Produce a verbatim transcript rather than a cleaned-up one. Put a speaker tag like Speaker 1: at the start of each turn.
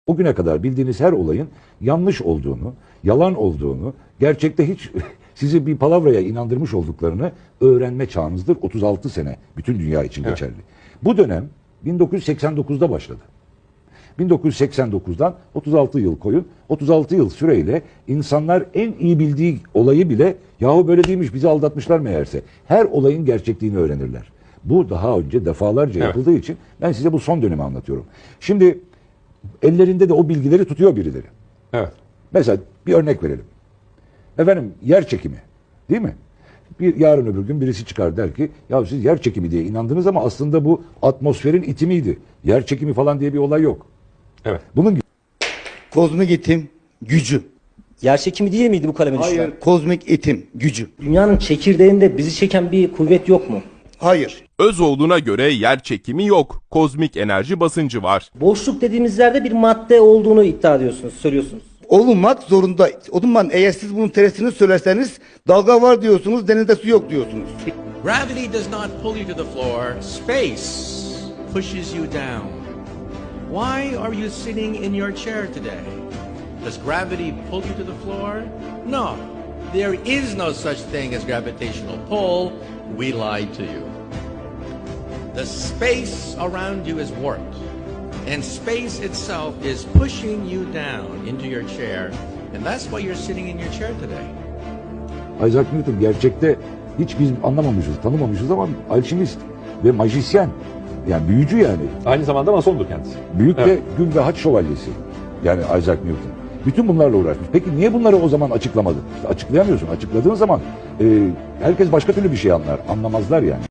Speaker 1: O güne kadar bildiğiniz her olayın yanlış olduğunu, yalan olduğunu, gerçekte hiç sizi bir palavraya inandırmış olduklarını öğrenme çağınızdır. otuz altı sene bütün dünya için
Speaker 2: Evet.
Speaker 1: geçerli. Bu dönem bin dokuz yüz seksen dokuzda başladı. bin dokuz yüz seksen dokuzdan otuz altı yıl koyun. otuz altı yıl süreyle insanlar en iyi bildiği olayı bile yahu böyle değilmiş bizi aldatmışlar meğerse. Her olayın gerçekliğini öğrenirler. Bu daha önce defalarca
Speaker 2: Evet.
Speaker 1: yapıldığı için ben size bu son dönemi anlatıyorum. Şimdi ellerinde de o bilgileri tutuyor birileri.
Speaker 2: Evet.
Speaker 1: Mesela bir örnek verelim. Efendim yer çekimi değil mi? Bir yarın öbür gün birisi çıkar der ki ya siz yer çekimi diye inandınız ama aslında bu atmosferin itimiydi. Yer çekimi falan diye bir olay yok.
Speaker 2: Evet.
Speaker 1: Bunun gibi.
Speaker 3: Kozmik itim gücü.
Speaker 4: Yerçekimi değil miydi bu kaleme düşen?
Speaker 3: Hayır, kozmik itim gücü.
Speaker 4: Dünyanın çekirdeğinde bizi çeken bir kuvvet yok mu?
Speaker 3: Hayır.
Speaker 5: Özoğlu'na göre yer çekimi yok, kozmik enerji basıncı var.
Speaker 4: Boşluk dediğimiz yerde bir madde olduğunu iddia ediyorsunuz, söylüyorsunuz.
Speaker 3: Olunmak zorunda. O zaman eğer siz bunun tersini söylerseniz dalga var diyorsunuz, denizde su yok diyorsunuz.
Speaker 6: Gravity does not pull you to the floor. Space pushes you down. Why are you sitting in your chair today? Does gravity pull you to the floor? No. There is no such thing as gravitational pull. We lied to you. The space around you is warped. And space itself is pushing you down into your chair. And that's why you're sitting in your chair today.
Speaker 1: Isaac Newton gerçekte hiç biz anlamamışız, tanımamışız ama alşimist ve majisyen. Yani büyücü yani.
Speaker 2: Aynı zamanda masondur kendisi.
Speaker 1: Büyük
Speaker 2: Evet.
Speaker 1: de gün ve haç şövalyesi. Yani Isaac Newton. Bütün bunlarla uğraşmış. Peki niye bunları o zaman açıklamadı? İşte açıklayamıyorsun. Açıkladığın zaman e, herkes başka türlü bir şey anlar. Anlamazlar yani.